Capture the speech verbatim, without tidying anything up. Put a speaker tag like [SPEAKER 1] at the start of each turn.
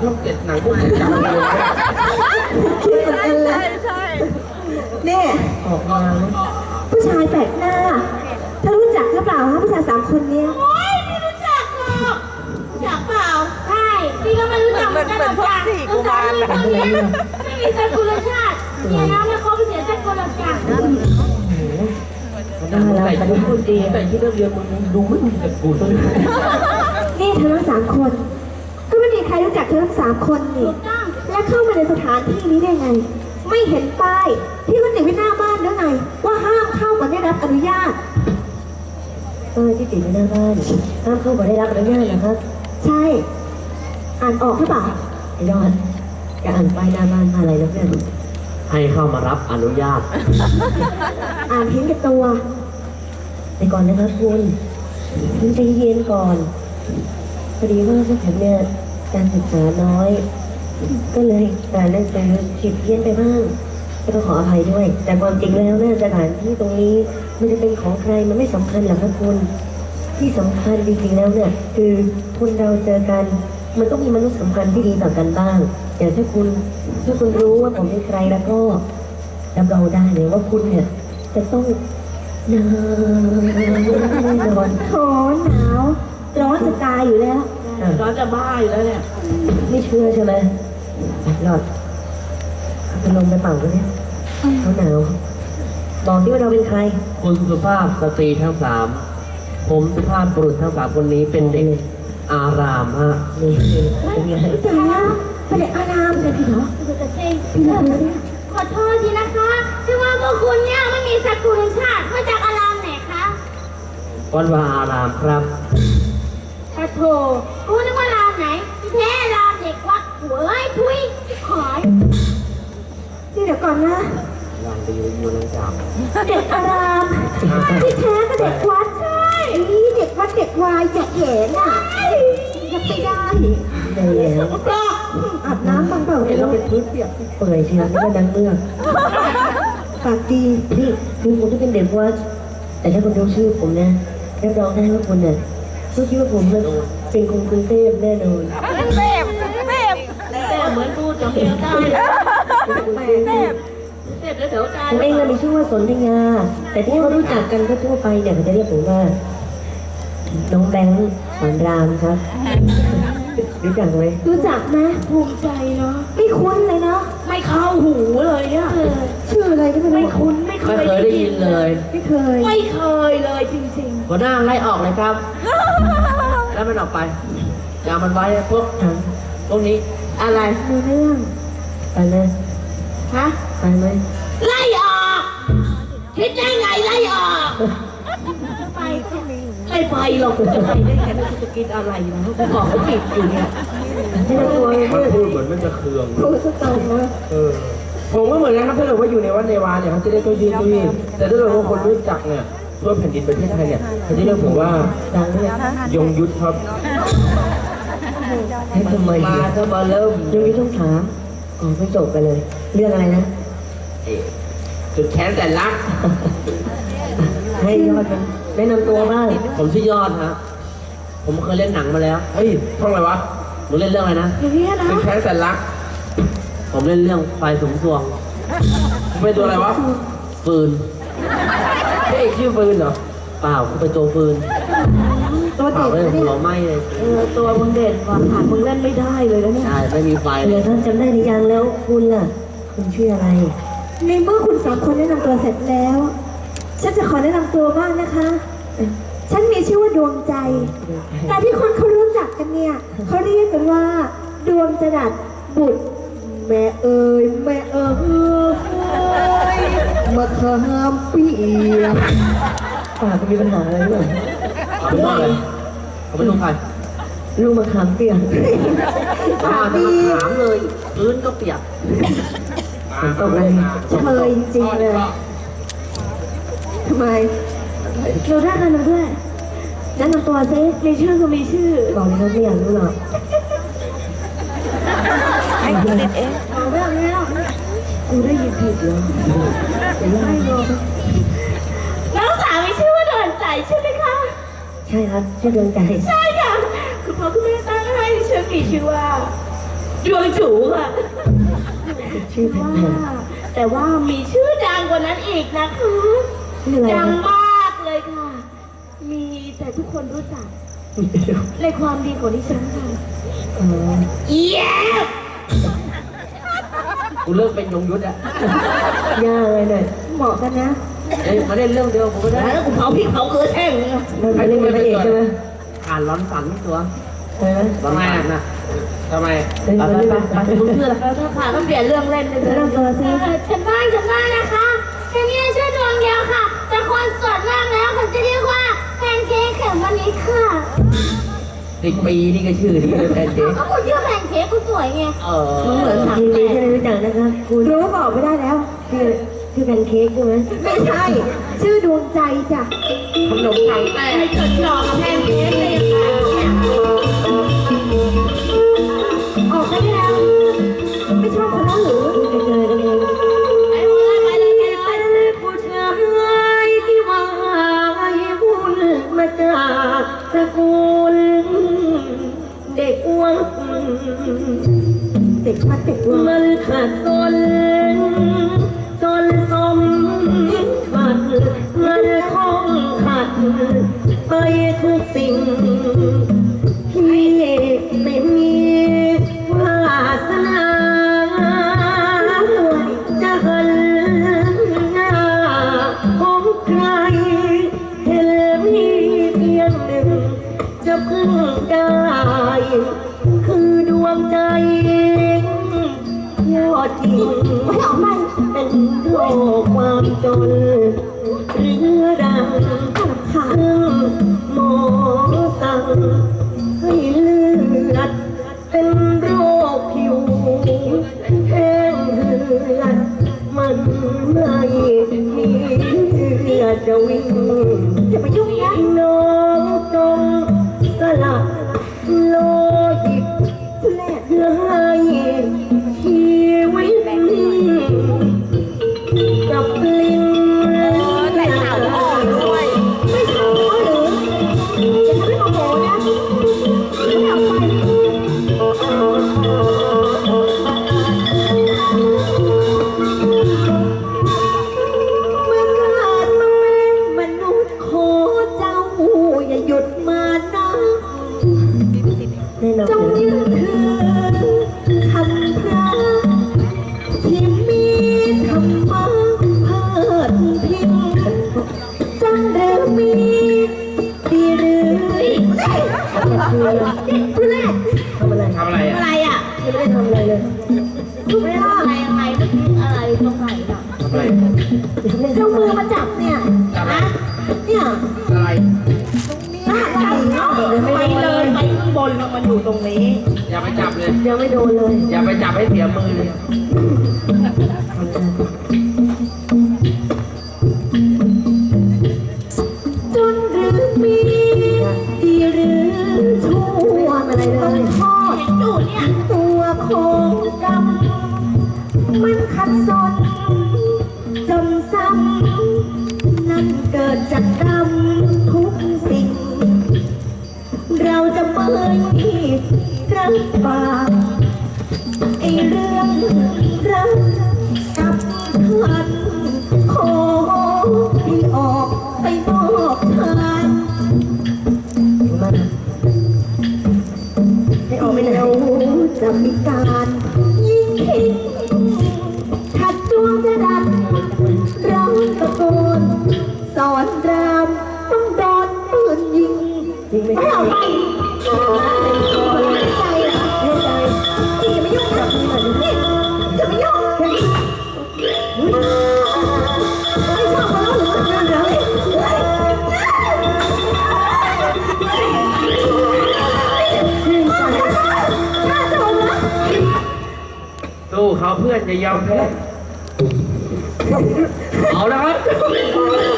[SPEAKER 1] ช่องเจ็ดหนังพวกนี้จังเลย
[SPEAKER 2] คิดเหมือนกันเลยนี่
[SPEAKER 1] ออกมาแล้ว
[SPEAKER 2] ผู้ชายแปลกหน้าเธอรู้จักหรือเปล่าฮะผู้ชายสามคนเนี้ย
[SPEAKER 3] โอ๊ยไม่รู้จักหรอกรู้จักเปล่าใช่พี่ก็ไม่รู้จักเหมือนกันหรอกจ้ะตัวสามีคนเนี้ยไม่มีสกุลชาติเนี่ยนะไม่คบเสียสกุลชาติ
[SPEAKER 2] น่ารัก
[SPEAKER 1] แต่ที่พูดดีแต่ที่เรื่องเรียนมึงดูไม่มีแต่กูเลย
[SPEAKER 2] นี่เธอทั้งสามคน ก็ไม่มีใครรู้จักเธอทั้งสามคนนี่
[SPEAKER 3] ถูกต้อง
[SPEAKER 2] และเข้ามาในสถานที่นี้ได้ไง ไม่เห็นป้ายที่มันติดไว้หน้าบ้านหรือไงว่าห้ามเข้ามาได้รับอนุญาต
[SPEAKER 4] เออที่ติดอยู่หน้าบ้านห้ามเข้ามาได้รับอนุญาตนะครับ
[SPEAKER 2] ใช่ อ่านออกหรือเปล่า
[SPEAKER 4] ไอ้ยอดจะอ่านป้ายหน้าบ้านมาอะไรแล้วเนี่ย
[SPEAKER 1] ให้เข้ามารับอนุญาต
[SPEAKER 2] อ่านเห็นกับตัว
[SPEAKER 4] ไปก่อนนะครับคุณคุณใจเย็นก่อนพอดีว่าพวกผมเนี่ยการศึกษาน้อย ก็เลยอ่านหนังสือผิดเพี้ยนไปบ้างก็ต้องขออภัยด้วย แต่ความจริงแล้วเนี่ยสถานที่ตรงนี้มันจะเป็นของใครมันไม่สำคัญหรอกครับคุณที่สำคัญจริงๆแล้วเนี่ยคือคนเราเจอกันมันต้องมีมนุษยสัมพันธ์ที่ดีต่อกันบ้างแต่ถ้าคุณถ้าคุณรู้ว่าผมเป็นใครแล้วก็รับรองได้เลยว่าคุณเนี่ยจะต้องนอนแน่นอน
[SPEAKER 2] โถหนาว ร้อนจะตายอยู่แล้ว
[SPEAKER 1] ร้อนจะบ้าอยู่แล้วเนี่ย
[SPEAKER 4] ไม่เชื่อใช่ไหมหลอดเอาพัดลมไปเป่าด้วยเนี่ยเขาหนาวบอกที่ว่าเราเป็นใคร
[SPEAKER 1] คุณสุภาพสตรีทั้งสามผมสุภาพบุรุษทั้งสามคนนี้เป็นเด็กอารามฮะ
[SPEAKER 4] นี่เป็นไง
[SPEAKER 2] แต่แล้วเป็นเด็กอารามเลยพี่เหรอ
[SPEAKER 3] คือจะเซ็ง
[SPEAKER 2] พี่เหรอเนี่ย
[SPEAKER 3] ขอโทษทีนะคะที่ว่าพวกคุณเนี่ยไม่มีสกุลชาติมาจากอารามไหนคะ
[SPEAKER 1] วัดวาอารามครับ
[SPEAKER 3] ปะโถกูนึกว่าอารามไหนที่แท้อารามเด็กวัดหัวไอ้ทุยขอย
[SPEAKER 2] นี่เดี๋ยวก่อนนะ
[SPEAKER 1] วางไปอยู่บนจับ
[SPEAKER 2] เด็กอารามที่แท้ก็เด็กวัดใช่นี่เด็กวัดเด็กวายเด็กเหนอ่ะยังไม่ได้
[SPEAKER 4] ได้แล้ว
[SPEAKER 2] อาบน้ำบ้างเปล่า
[SPEAKER 1] เห็นเราเป็นพื้นเปียก
[SPEAKER 4] เปื่อยเชียวนี่ก็ดังเมือก
[SPEAKER 2] ปากดี
[SPEAKER 4] นี่คือผมที่เป็นเด็กวัดแต่ถ้าคุณรู้ชื่อผมนะรับรองได้ว่าคุณเนี่ยต้องคิดว่าผมเนี่ยเป็นคนกรุงเทพแน่นอน
[SPEAKER 1] แต่เหมือนพูดกับเมียได้เด็กแถวใจ
[SPEAKER 4] ผมเองน่ะมีชื่อว่าสนธยา แต่ที่เขารู้จักกันทั่วๆไปเนี่ยเขาจะเรียกผมว่า น้องแบงค์สอนรามครับ รู้จักไหม
[SPEAKER 2] รู้จักไหมภูมิใจเนาะไม่คุ้นเลยเนาะ
[SPEAKER 3] ไม่เข้าหูเลยเนี่ย
[SPEAKER 2] ชื่ออะไรก็ไม่รู้ไม่คุ้น
[SPEAKER 3] ไม่เค
[SPEAKER 1] ไม่
[SPEAKER 3] ย
[SPEAKER 1] เคยได้ยินเลย
[SPEAKER 2] ไม่เคย
[SPEAKER 3] ไม่เคยเลยจริง
[SPEAKER 1] หัวหน้าไล่ออกเลยครับ แล้วมันออกไปอย่ามันไว้พวก
[SPEAKER 4] ถาม
[SPEAKER 1] พวกนี้
[SPEAKER 3] ๆ อะไร
[SPEAKER 2] มีเรื่อง
[SPEAKER 4] ไปไหม
[SPEAKER 3] ฮะ
[SPEAKER 4] ไปไหม
[SPEAKER 3] ไล่ออกคิดได้ไงไล่ออกไปก็มีไม่ไปหรอกจะไปได้ไงไม่รู้จะกินอะไรนะเขาบอกเขาปิดอยู่เนี่ย
[SPEAKER 4] ไม่ต้องกลัวเลย
[SPEAKER 1] มันพูดเหมือนมันจะเคือง
[SPEAKER 2] พูดซะตรงนะ
[SPEAKER 1] เออผมก็เหมือนกันครับถ้าเกิดว่าอยู่ในวัดในวาเนี่ยเขาจะได้ตัวยืนตัวยืนแต่ถ้าเกิดว่าคนรู้จักเนี่ยทั่วแผ่นดินประเทศไทยเนี่ยเขาจะเรียกผมว่า
[SPEAKER 4] ดังเลย
[SPEAKER 1] ยงยุทธครับ
[SPEAKER 4] ให้ทำไม
[SPEAKER 1] มา
[SPEAKER 4] เนี่ย
[SPEAKER 1] ถ้ามาเริ่ม
[SPEAKER 4] ยังไม่ต้องถามอ๋อไม่จบไปเลย เรื่องอะไรนะ
[SPEAKER 1] เอ๊ะจุดแค้นแต่รัก
[SPEAKER 4] ให้ยอดมันแนะนำตัวบ้าง
[SPEAKER 1] ผมชื่อยอดฮะผมเคยเล่นหนังมาแล้วเฮ้ยท่องอะไรวะมึงเล่นเรื่องอะไรนะ
[SPEAKER 2] อย่างนี้นะ
[SPEAKER 1] จุดแค้นแต่รัก ผมเล่นเรื่องไฟสูงสวงเป็นตัวอะไรวะฟืนพระเอกชื่อฟืนเหรอเปล่ากูเป็นตัวฟืน
[SPEAKER 2] ตัว
[SPEAKER 1] เปล่า
[SPEAKER 2] เด็ก
[SPEAKER 1] เลย
[SPEAKER 2] นะเนี่ย
[SPEAKER 1] หัวไหม้เลย
[SPEAKER 2] เออตัวมึงเด่นกว่าขาดมึงเล่นไม่ได้เลยนะเนี่ย
[SPEAKER 1] ใช่ไม่มีไฟเล
[SPEAKER 4] เดี๋ย
[SPEAKER 1] ยว
[SPEAKER 4] ท่านจำได้หรือยังแล้วคุณล่ะ คุณชื่ออะไร
[SPEAKER 2] ในเมื่อคุณสามคนแนะนำตัวเสร็จแล้ว ฉันจะขอแนะนำตัวบ้างนะคะ ฉันมีชื่อว่าดวงใจ แต่ที่คนเขารู้จักกันเนี่ยเขาเรียกกันว่า ดวงจรัสบุตร แม่เอ๋ยแม่เอ๋ยมาขามเปียก
[SPEAKER 4] ปากคุณมีปัญหาอะไรหรือเปล่า
[SPEAKER 1] เขาเป็นลูกอะไรเขาเป็นลูกใคร
[SPEAKER 4] ลูกมะขามเปียก
[SPEAKER 1] อ่าจะมาถามเลยพื้นก็เปียก
[SPEAKER 4] ฝนตกเลย
[SPEAKER 2] เชยจริงๆเลยทำไมเราได้กันมาด้วยแนะนำตัวซิมีชื่อก็มีชื่อ
[SPEAKER 4] บอกเลยครับไม่อยากรู้หรอก
[SPEAKER 2] เอาเรื่องนี้แล้วกูได้ยินผิดเหรอจะไล่ลง
[SPEAKER 3] น้องสาวมีชื่อว่าดวนใจใช่ไหมคะ
[SPEAKER 4] ใช่ครับชื่อดวงใจ
[SPEAKER 3] ใช่ค่ะคุณพ่อคุณแม่ตั้งให้ฉันมีชื่อว่าดวงจูค่ะ
[SPEAKER 4] ชื่อแพ
[SPEAKER 3] ว่
[SPEAKER 4] ง
[SPEAKER 3] าแต่ว่ามีชื่อดังกว่านั้นอีกนะคะ
[SPEAKER 4] ๆชื่ออะไร
[SPEAKER 3] ดัง
[SPEAKER 4] นะ
[SPEAKER 3] มากเลยค่ะ มีแต่ทุกคนรู้จักในความดีของดิฉันค่ะ
[SPEAKER 4] อ๋อ
[SPEAKER 3] เอี๊ยบ
[SPEAKER 1] กูเลิกเป็นยงยุทธอะ
[SPEAKER 4] ยากเลยหน่อย
[SPEAKER 2] เหมาะกันนะ
[SPEAKER 1] เอ้ยมาเล่นเรื่องเดียวผมไม่ได้
[SPEAKER 3] แล้วกูเผาพริกเผาเกลือแช่งเลยนะ
[SPEAKER 4] มันไม่ได้เป็นพระเอกใช่ไหม
[SPEAKER 1] อ่านร้อนฝันตัว
[SPEAKER 4] ใช่ไหม
[SPEAKER 1] ร้อนฝันน่ะทำไม
[SPEAKER 4] เป็น
[SPEAKER 1] ไป
[SPEAKER 4] คน
[SPEAKER 1] ไป
[SPEAKER 4] ที่
[SPEAKER 1] ไป
[SPEAKER 4] เป็น
[SPEAKER 1] ไปมึงชื่ออะไร
[SPEAKER 3] แล้วถ้าขาต้องเปลี่ยนเรื่องเล่นเลย
[SPEAKER 2] แนะนำตัวสิ
[SPEAKER 3] เออฉันบ้านฉันบ้านนะคะฉันมีชื่อดวงเดียวค่ะ แต่คนส่วนมากแล้วเขาจะเรียกว่าแพนเค้กเขมวันนี้ค่ะ
[SPEAKER 1] สิบปีนี่ก็ชื่อดีเลยแพนเค้ก
[SPEAKER 3] ก็คุณชื่อแพนเค้กคุณสวยไง
[SPEAKER 1] เออ
[SPEAKER 3] มันเหมือนถัง
[SPEAKER 4] ยิน
[SPEAKER 3] แต
[SPEAKER 4] ดี
[SPEAKER 3] ก
[SPEAKER 4] ที่ได้รู้จักนะครับคุณ
[SPEAKER 2] รู้ว่าบอกไม่ได้แล้ว
[SPEAKER 4] ชื่อชื่อแพนเค้กใช่ไหม
[SPEAKER 2] ไม่ใช่ ชื่อดวงใจจ้ะ
[SPEAKER 1] ขนมถังแต
[SPEAKER 3] ไอ้
[SPEAKER 1] ก
[SPEAKER 3] จดหลอกกับแพนเค้กเลยค่ะเนี่ย
[SPEAKER 2] ออกไปได้แล้ว ไม่ชอบคนนั้นหรือ
[SPEAKER 4] จะเจอกันเอง
[SPEAKER 3] ไปเลยไปเลยไปเลย
[SPEAKER 4] ผู้ชายที่มาให้บุญมาจากตระกูลเด็กวัด
[SPEAKER 2] เด็กมาเด็กวัว
[SPEAKER 4] มันขาดสนจนสมบัติเงินทองขาดไปทุกสิ่งที่ไม่มีวาสนาจะหันหน้าของใครเห็นมีเพียงหนึ่งจะพึ่งได้ คือดวงใจยอดจริง
[SPEAKER 2] ไม่ออกไป
[SPEAKER 4] เป็นโรคความจนเรื้อรัง
[SPEAKER 2] ค่ะ
[SPEAKER 4] ซึ่งหมอสั่งให้เลือดเป็นโรคผิวแห้งเหือดมันไม่มีเลือดจะวิ่ง
[SPEAKER 2] จะไปยุ่งนะ
[SPEAKER 4] น้องจงสละโลหิต
[SPEAKER 2] ทุเรศ
[SPEAKER 4] เพื่อให้ชีวิตกับลิ้น
[SPEAKER 3] แต่ข่าวอ่อนด้วย
[SPEAKER 2] ไม่ชอบเขาหรือจะทำให้โมโหนะไม่ออกไป เมื่อเกิดมาเป็นมนุษย์ขอเจ้าอย่าหยุดมานะ
[SPEAKER 4] แน่นอน
[SPEAKER 2] จงยึดถือคำพระที่มีธรรมะเพิดพิงจังหรือมีดีหรือทุเรศ
[SPEAKER 4] ทำอะไร
[SPEAKER 1] ทำอะไรอ่ะ
[SPEAKER 3] อะไรอ่ะ
[SPEAKER 4] ไม่ได้ทำอะไรเลย
[SPEAKER 2] ทุเรศ
[SPEAKER 3] อะไรยังไงเมื่อกี้อะไรตรงไหนอ่ะ
[SPEAKER 1] ทำอะไร
[SPEAKER 2] เจ้ามือมาจับเนี่ย
[SPEAKER 1] ทำอะไร
[SPEAKER 2] เนี่ย
[SPEAKER 1] อะไร
[SPEAKER 2] หน้าใหญ่เนาะ
[SPEAKER 3] ไปเลยไปข้างบนแล้วมันอยู่ตรงนี้
[SPEAKER 1] อย่าไปจับเลย
[SPEAKER 4] ยังไม่โดนเลย
[SPEAKER 1] อย่าไปจับให้เสียมือเลย
[SPEAKER 2] จนหรือมีดีหรือชั่วอะไรเลยทอด
[SPEAKER 3] เห็นอยู่เนี่ย
[SPEAKER 2] ตัวของกรรมมันขัดสนจนซ้ำนั่นเกิดจากกรรมทุกสิ่ง เราจะไม่รับปากไอเรื่องรักกับท่านขอให้ออกไปนอกทาง
[SPEAKER 4] มาให้ออกไปไหน
[SPEAKER 2] เราจะมีการยิงทิ้งขัดดวงจะดันร้องตะโกนสอนรามต้องโดนปืนยิง
[SPEAKER 4] จริงไหม
[SPEAKER 2] ไม่เอาไปไม่ใจเหรอ
[SPEAKER 4] ไม่ใจ
[SPEAKER 2] นี่จะไม่ยุ่งนะนี่จะไม่ยุ่งไม่ชอบเขาหรือว่าเรื่องอะไร
[SPEAKER 4] ชื่นใจ
[SPEAKER 2] น่าโดนนะ
[SPEAKER 1] สู้เขาเพื่อนจะยอมแพ้เอาแล้วครับ